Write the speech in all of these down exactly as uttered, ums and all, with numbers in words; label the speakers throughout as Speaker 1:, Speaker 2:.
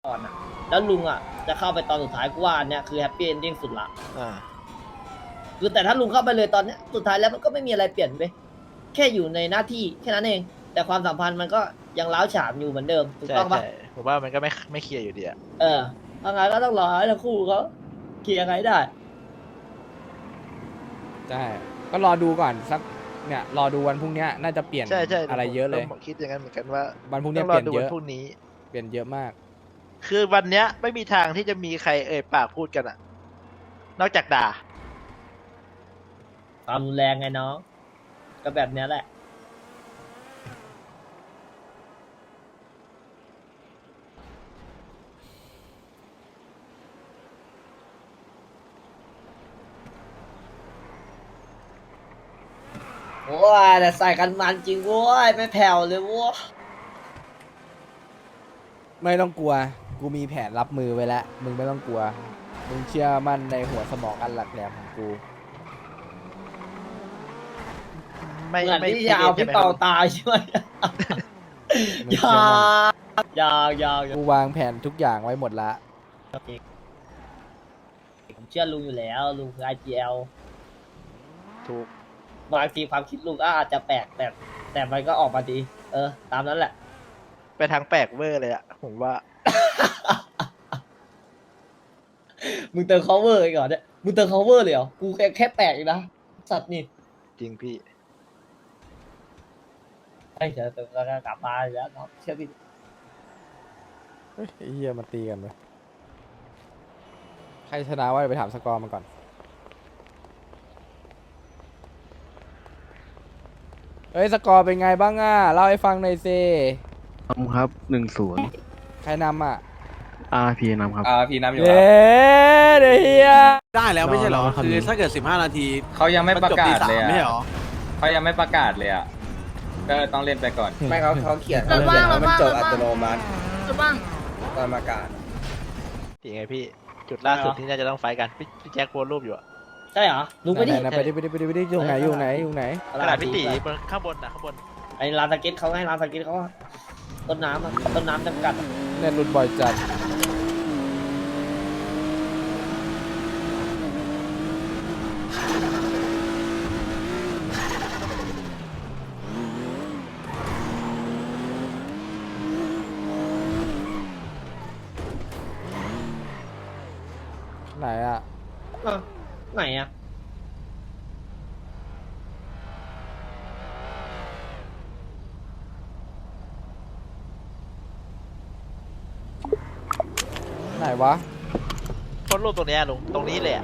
Speaker 1: ก่อนอ่ะแล้วลุงอ่ะจะเข้าไปตอนสุดท้ายกูว่าอันเนี้ยคือแฮปปี้เอนดิ้งสุดละ
Speaker 2: อ่า
Speaker 1: คือแต่ถ้าลุงเข้าไปเลยตอนเนี้ยสุดท้ายแล้วมันก็ไม่มีอะไรเปลี่ยนไปแค่อยู่ในหน้าที่แค่นั้นเอง แต่ความสัมพันธ์มันก็ยังร้าวฉานอยู่เหมือนเดิมถูก
Speaker 2: ใช่
Speaker 1: ต้องปะ
Speaker 2: ใช่ผมว่ามันก็ไม่ไม่เคลียร์อยู่ดีอะ
Speaker 1: เออทางานก็ต้องรอให้ทั้งคู่เขาเคลียร์ไงได้
Speaker 3: ใช่ก็รอดูก่อนสักเนี่ยรอดูวันพรุ่งเนี้ยน่าจะเปลี่ยน
Speaker 2: ใช่ใช่
Speaker 3: อะไรเยอะเลย
Speaker 2: ผมคิดอย่างนั้นเหมือนกันว่า
Speaker 3: วันพรุ่ง
Speaker 2: ต้
Speaker 3: เนี้
Speaker 2: อย ง
Speaker 3: เป
Speaker 2: รอ
Speaker 3: ลี่ยน
Speaker 2: ดู
Speaker 3: เย
Speaker 2: วัน
Speaker 3: อะ
Speaker 2: พรุ่งนี้
Speaker 3: เปลี่ยนเยอะมาก
Speaker 2: คือวันเนี้ยไม่มีทางที่จะมีใครเอ่ยปากพูดกันอะนอกจากด่า
Speaker 1: ความรุนแรงไงน้อง ก็แบบเนี้ยแหละ โอ้ยแต่ใส่กันมันจริงโว้ยไม่แผ่วเลยโว้ย
Speaker 3: ไม่ต้องกลัวกูมีแผนรับมือไว้แล้วมึงไม่ต้องกลัวมึงเชื่อมั่นในหัวสมองอันหลักแหลมของกู
Speaker 2: ไม่
Speaker 1: เหมือน
Speaker 2: ไม่
Speaker 1: ที่จะเอาพี่เปา
Speaker 2: ใช่ไหมครับ
Speaker 1: ตายใช่ไหม
Speaker 3: มึง
Speaker 1: อ
Speaker 3: เชื่
Speaker 1: ยา
Speaker 3: อมั่น
Speaker 1: ยาวยาวยาว
Speaker 3: กูวางแผนทุกอย่างไว้หมดละ
Speaker 1: ผมเชื่อลุงอยู่แล้วลุงคือ ไอ จี แอล
Speaker 2: ถูก
Speaker 1: บางทีความคิดลุงก็อาจจะแปลกแต่แต่มันก็ออกมาดี เออ ตามนั้นแหละ
Speaker 2: ไปทางแปลกเวอร์เลยอะผมว่า
Speaker 1: มึงเติม cover อีกเหรอเนี่ยมึงเติม cover เลยเหรอ กูแค่แค่แปลกอีกนะ สัตว์นี่
Speaker 2: จริงพี่
Speaker 1: ไอ้เดี๋ยวเติมก็กลับมาอีกแล้วเนาะเชื่อพี่
Speaker 3: เฮ้ยไอ้เฮียมาตีกันเลยใครชนะว่าไปถามสกอร์มาก่อนเฮ้ยสกอร์เป็นไงบ้างอ่ะเล่าให้ฟังหน่อยสิ
Speaker 4: นำครับหนึ่งศูนย์
Speaker 3: ใครนำอ่ะ
Speaker 4: อาร์พีนำครับ
Speaker 5: อ่าพี่น้ำอยู่
Speaker 3: เย้เดี๋ยวเฮีย
Speaker 6: ได้แล้วไม่ใช่เหรอ
Speaker 4: รอรอครับ
Speaker 6: คือถ้าเกิดสิบห้านาที
Speaker 5: เขายังไม่ประกาศเลย
Speaker 6: มันจบตีสามไม่ใช่
Speaker 5: อ่ะ
Speaker 6: เหรอ
Speaker 5: เขายังไม่ประกาศเลยอ่ะก็ต้องเล่นไปก่อน
Speaker 7: ไม่เขาเขาเขียน
Speaker 8: รถว่างรถ
Speaker 7: มัน
Speaker 8: ว่าง
Speaker 7: จ
Speaker 8: ร
Speaker 7: ด
Speaker 8: ถ
Speaker 7: อั
Speaker 8: ว่าง
Speaker 7: ตโนมัติ
Speaker 8: รถว่าง
Speaker 7: ตอนประกาศ
Speaker 2: จริงไงพี่ จุดล่าสุดที่น่าจะต้องไฟท์กัน พี่พี่แจ็คโพสต์รูปอยู่อะ
Speaker 1: ใช่เหรอ ลุงไปดิ
Speaker 3: ไหนๆไปดิไปดิไปดิไปดิอยู่ไหนอยู่ไหนอยู่ไหน
Speaker 2: ขนาดพี่ตีบนข้างบนนะข้างบน
Speaker 1: ไอ้ร้านสเก็ตเขาให้ร้านสเก็ตเขาว่าต้นน้ำอะต้นน้ำจำกัดอะ
Speaker 3: เน็ตหลุดบ่อยจัดไหนอ่ะ
Speaker 1: อ่ะไหนอะ
Speaker 3: ไหนวะ
Speaker 2: โพสต์รูปตรงเนี้ยลุง ตรงนี้เลยอะ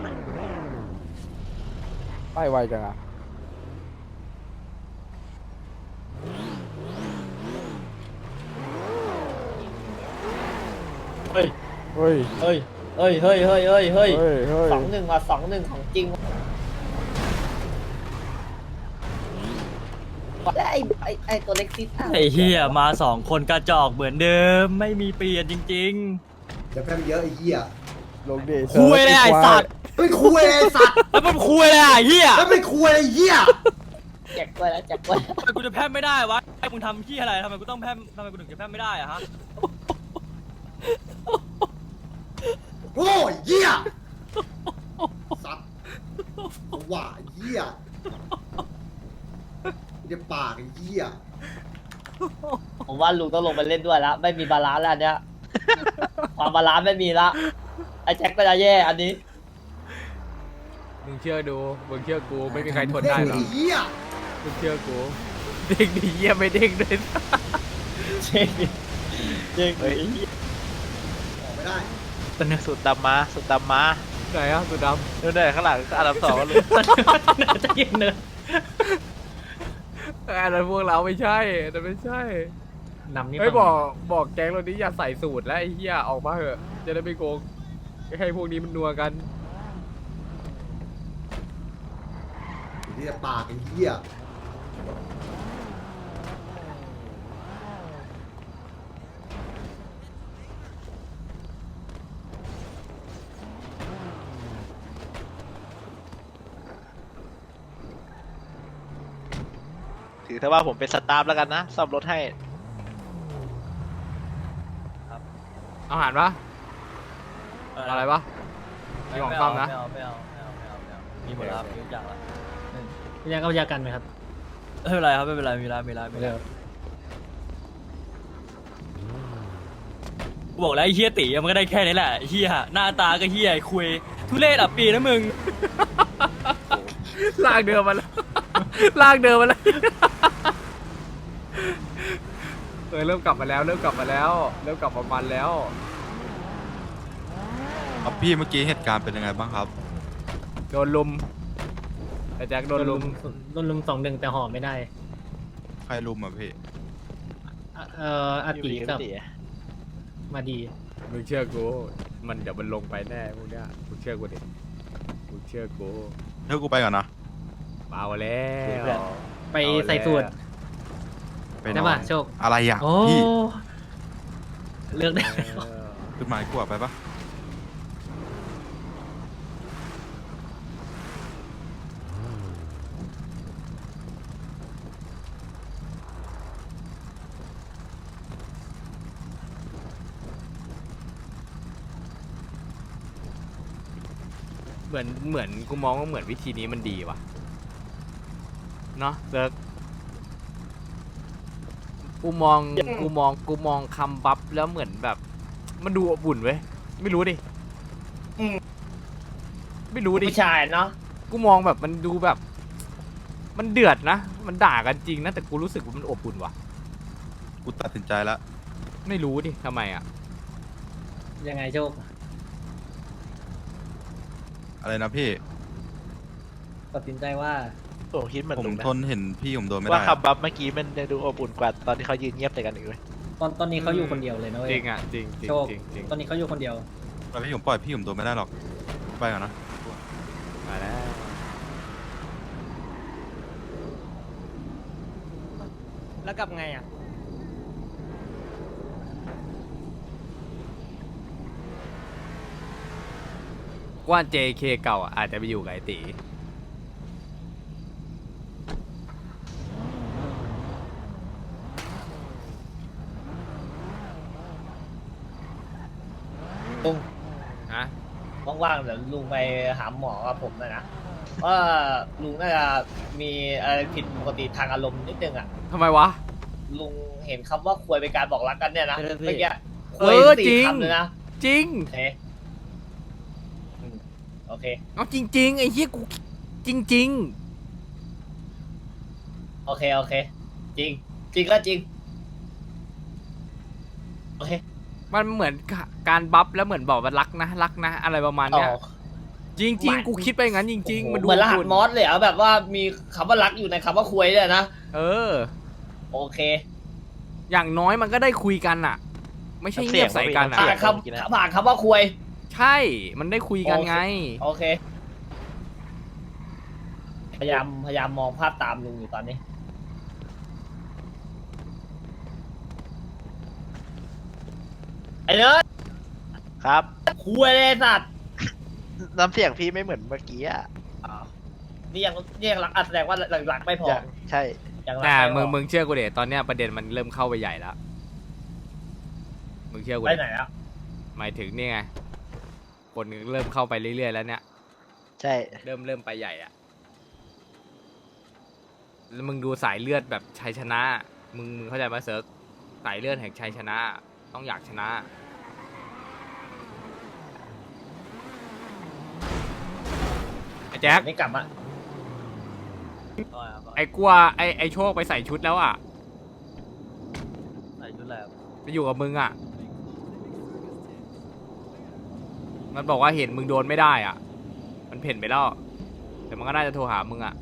Speaker 3: ไปไวจังอ่ะ
Speaker 1: เฮ้ย
Speaker 3: เฮ้ย
Speaker 1: เฮ้ย เฮ้ย เฮ้ย เฮ้ย เฮ้ย เฮ้ย
Speaker 3: เฮ้ยเฮ้ย
Speaker 1: สองหนึ่งว่ะสองหนึ่งของจริงและไอ้ไอ้ไอ้ตัวเล็กซิดะ
Speaker 9: ไอ้เฮียมาสองคนกระจอกเหมือนเดิมไม่มีเปลี่ยนจริง
Speaker 7: จะแพ้เยอะไอ้เหี้ย
Speaker 3: ลงเดช
Speaker 9: คุยเลยไอ้สัตว์
Speaker 7: ไม่คุยไอ้สัตว์
Speaker 9: ๆแล้วมันคุยเลยอ่ะเฮีย
Speaker 7: แล้วไม่คุยไอ้เหี้ย
Speaker 1: แจกกล้วยแล้วแจกกล้วย
Speaker 9: ทำไมกูจะแพ้ไม่ได้วะไอ้มึงทำเฮียอะไรทำไมกูต้องแพ้ทำไมกูถึงจะแพ้ไม่ได้อะฮะ
Speaker 7: โอ้ยเหี้ยสัตว์ว่าไอ้เหี้ยเดี๋ยวปากไอ้เหี้ย
Speaker 1: ผมว่าลุงต้องลงไปเล่นด้วยแล้วไม่มีบาลานซ์แล้วอันเนี้ยความบาลานซ์ไม่มีละไอ้แจ็คก็จะแย่อันนี้
Speaker 3: มึงเชื่อดูมึงเชื่อกูไม่มีใครทนได้หรอก
Speaker 7: ไอ้เหี้ย
Speaker 3: มึงเชื่อกูเด้งดีเยี่ยไม่เด้งเลย
Speaker 1: เจ๊งเจ๊ง
Speaker 2: เฮ้ย
Speaker 7: ออกไม่ได้
Speaker 2: เป็นสุดดำมาสุดดำมา
Speaker 3: ไหนอ่ะสุดด
Speaker 2: นู่นเลยข้างหลังอันดับสองก็ลุง
Speaker 9: จะเย็นเนอะ
Speaker 3: ำอันนั้นพวกเราไม่ใช่อันนั้นไม่ใช่
Speaker 9: นำนี่
Speaker 3: เฮ้ยบอกบอกแก๊งเรานี้อย่าใส่สูตรแล้วไอ้เหี้ยออกมาเถอะจะได้ไม่โกงให้พวกนี้มันนัวกัน
Speaker 7: เดี๋ยวปากไอ้เหี้ย
Speaker 2: ถือถ้าว่าผมเป็นสตาฟแล้วกันนะซ่อมรถให้
Speaker 3: เออาหารปะอะไรปะมีของซ่อมนะ
Speaker 9: ไม่เอาไม่เอาไม่เอาไม่เอาไม่เอามีหมดแล้วครับมีทุกอย่างแล้ว
Speaker 6: พี่ยังเอายากันไหมครับ
Speaker 9: ไม่เป็นไรครับไม่เป็นไรมีร้านมีร้านมีร้านกูบอกแล้วไอ้เฮียตีมันก็ได้แค่นี้แหละไอ้เฮียหน้าตาก็เฮียไอ้คุยทุเรศอ่ะปีนะมึง
Speaker 3: ลากเดิมมาแล้ว ลากเดิมมาแล้วเออเริ่มกลับมาแล้ว เริ่มกลับมาแล้ว เริ่มกลับมามันแล้ว
Speaker 8: ครับพี่เมื่อกี้เหตุการณ์เป็นยังไงบ้างครับ
Speaker 3: โดนลุมไอ้แจ็คโดนลุม
Speaker 6: โดนลุมสองหนึ่งแต่ห่อไม่ได้
Speaker 8: ใครลุมอ่ะพี่
Speaker 6: อ่ะเอ่ออาติกับมาดี
Speaker 3: มึงเชื่อกู มันเดี๋ยวมันลงไปแน่พวกเนี้ยมึงเชื่อกูดิมึงเชื่อกู
Speaker 8: เดี๋ยวกูไปก่อนนะ
Speaker 3: เบาแล้ว
Speaker 6: ไปใส่สูตร
Speaker 8: ไปน
Speaker 6: ได้
Speaker 8: อ
Speaker 6: ป่ะ
Speaker 8: น
Speaker 6: โชค
Speaker 8: อะไรอ่ะ
Speaker 6: โอ้
Speaker 8: พี่
Speaker 6: เลือกได้
Speaker 3: เออ
Speaker 8: ขึ้นมาให้กูอะไปปะ
Speaker 3: เหมือนเหมือนกูมองว่าเหมือนวิธีนี้มันดีว่ะเนาะเซิร์กกูมองกูมองกูมองคำบัฟแล้วเหมือนแบบ มันดูอบอุ่นเว้ยไม่รู้ดิไม่รู้ดิ
Speaker 1: ผู้ชายเนาะ
Speaker 3: กูมองแบบมันดูแบบ มันเดือดนะมันด่ากันจริงนะแต่กูรู้สึกว่ามันอบอุ่นว่ะ
Speaker 8: กูตัดสินใจแล้ว
Speaker 3: ไม่รู้ดิทำไมอ่ะ
Speaker 6: ยังไงโชค
Speaker 8: อะไรนะพี่
Speaker 6: ตัดสินใจว่า
Speaker 2: โอ้คิดเหมือน
Speaker 8: ผม
Speaker 2: ลุงนะ
Speaker 8: ทนเห็นพี่ผมโดนไม่
Speaker 2: ว่า
Speaker 8: ได้อะ
Speaker 2: คำบัฟเมื่อกี้มันจะดูอบอุ่นกว่าตอนที่เขายืนเงียบใส่กันอีกเลย
Speaker 6: ตอนตอนนี้เขาอยู่คนเดียวเลยนะเว้ย
Speaker 3: จริงอ่ะจริงจริง
Speaker 6: โชค
Speaker 3: จริงจริง
Speaker 6: ตอนนี้เขาอยู่คนเดียว
Speaker 8: แล้วพี่ผมปล่อยพี่ผมโดนไม่ได้หรอกไปก่อนนะ
Speaker 3: มาแล้ว
Speaker 6: แล้วกลับไงอ่ะ
Speaker 3: ว่า เจ เค เก่าอ่ะอาจจะไปอยู่กับไอตี
Speaker 1: ลุง
Speaker 3: ฮะ
Speaker 1: ว่างๆเดี๋ยวลุงไปหาหมอกับผมหน่อยนะว่าลุงน่าจะมีอะไรผิดปกติทางอารมณ์นิดนึงอ่ะ
Speaker 3: ทำไมวะ
Speaker 1: ลุงเห็นคำว่าควยเป็นการบอกรักกันเนี่ยนะ
Speaker 6: เออพี่
Speaker 1: เมื่อกี้ค
Speaker 3: เอ
Speaker 1: วย
Speaker 3: อ
Speaker 1: สี่
Speaker 3: จริง
Speaker 1: คำเลยนะ
Speaker 3: จริง
Speaker 1: โอเคอืมโอเค
Speaker 3: เอาจริง ๆ ไอ้เหี้ยกูจริง
Speaker 1: โอเค โอเค จริง จริงก็จริง โอเค
Speaker 3: ๆ มันเหมือนกะการบัฟแล้วเหมือนบอกว่ารักนะรักนะ อะไรประมาณ
Speaker 1: อ๋อ
Speaker 3: เนี้ยจริง ๆ กูคิดไปอย่างนั้นจริง ๆ มันดู
Speaker 1: เหมือนรหัส
Speaker 3: อุ่น
Speaker 1: มอสเลยเหรอ่ะแบบว่ามีคำว่ารักอยู่ในคำว่าควยเนี่ยนะ
Speaker 3: เออ
Speaker 1: โอเค
Speaker 3: อย่างน้อยมันก็ได้คุยกันอ่ะ ไม่ใช่เงียบใส่กันอ่ะ
Speaker 1: ผ่านคำผ่านคำว่าควย
Speaker 3: ใช่ มันได้คุยกันไง
Speaker 1: โอเค พยายามพยายามมองภาพตามลุงอยู่ตอนนี้ ไอ้เนิร์ด
Speaker 2: ครับ
Speaker 1: คุยเลยสัตว์
Speaker 2: น้ำเสียงพี่ไม่เหมือนเมื่อกี้อ่ะ
Speaker 1: อ้าวนี่ยังนี่ยังรักอ่ะแสดงว่าหลักๆไม่พอ
Speaker 2: อย่างใช่
Speaker 1: ยังรัก
Speaker 3: แต่
Speaker 1: ไม่พ
Speaker 3: มึ
Speaker 1: อง
Speaker 3: มึงเชื่อกูเดตอนเนี้ยประเด็นมันเริ่มเข้าไปใหญ่แล้ว มึงเชื่อกู
Speaker 1: ไป
Speaker 3: เด
Speaker 1: ไหนอ่ะ
Speaker 3: หมายถึงนี่ไง คนเริ่มเข้าไปเรื่อยๆแล้วเนี่ย
Speaker 2: ใช่
Speaker 3: เริ่มเริ่มไปใหญ่อะแล้วมึงดูสายเลือดแบบชัยชนะ มึงมึงเข้าใจไหมเซิร์ฟสายเลือดแห่งชัยชนะ ต้องอยากชนะ ไอ้แจ็ค
Speaker 1: ไม่กลับมา
Speaker 3: ไอ้กลัวไอ้ไอ้โชคไปใส่ชุดแล้วอ่ะ
Speaker 9: ใส่ชุดอะไรครับ
Speaker 3: ไปอยู่กับมึงอ่ะ มันบอกว่าเห็นมึงโดนไม่ได้อ่ะ มันเพ่นไปแล้ว แต่มันก็น่าจะโทรหามึงอ่ะ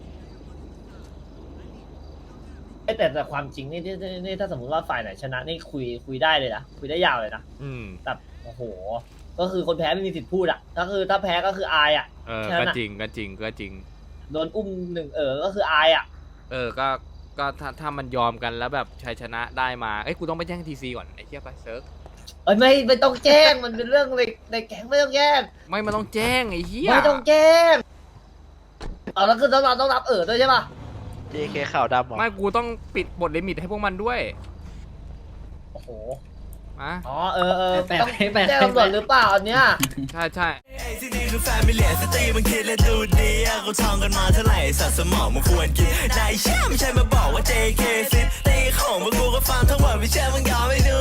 Speaker 1: เอ้ยแต่แต่ความจริงนี่นี่นี่นี่ถ้าสมมติว่าฝ่ายไหนชนะนี่คุยคุยได้เลยนะคุยได้ยาวเลยนะ
Speaker 3: อืม
Speaker 1: แต่โอ้โห ก็คือคนแพ้ไม่มีสิทธิ์พูดอ่ะก็คือถ้าแพ้ก็คืออายอ่ะ
Speaker 3: เออ
Speaker 1: แค่นั้
Speaker 3: ก็
Speaker 1: นอะ
Speaker 3: จริง ก็จริง ก็จริง
Speaker 1: โดนอุ้มหนึ่งเออก็คืออายอ่ะ
Speaker 3: เออ ก็ ก็ถ้าถ้ามันยอมกันแล้วแบบชัยชนะได้มา เอ้ย กูต้องไปแจ้งทีซีก่อน ไอ้เหี้ยไปเซิร์ฟ
Speaker 1: เอ้ยไม่ไม่ต้องแจ้งมันเป็นเรื่องในในแก๊งไม่ต้องแจ้ง
Speaker 3: ไม่มันต้องแจ้งไอ้เหี้ย
Speaker 1: ไม่ต้องแจ้งเอาแล้วคือต้องรับต้องรับเออด้วยใช่ปะ
Speaker 2: เจ เค ข่าวดำเหรอ
Speaker 3: ไม่ กูต้องปิดบทลิมิตให้พวกมันด้วย
Speaker 1: โอ้โห
Speaker 10: มา
Speaker 1: อ๋อเออเออ
Speaker 6: แปะ
Speaker 1: ต้อง
Speaker 6: แปะ
Speaker 1: แจ้งตำรวจหรือเปล่าอันเนี้ย
Speaker 10: ใช่ใช่
Speaker 11: ที่นี่คือแฟมิเลียสตรีมันคิดและดูดีอะกูท่องกันมาเท่าไหร่สัตว์สมองมันควรกินนายเชื่อไม่ใช่มาบอกว่า เจ เค ซิตี้ของพวกกูก็ฟังทั้งหมดไม่เชื่อมึงยอมไม่ดู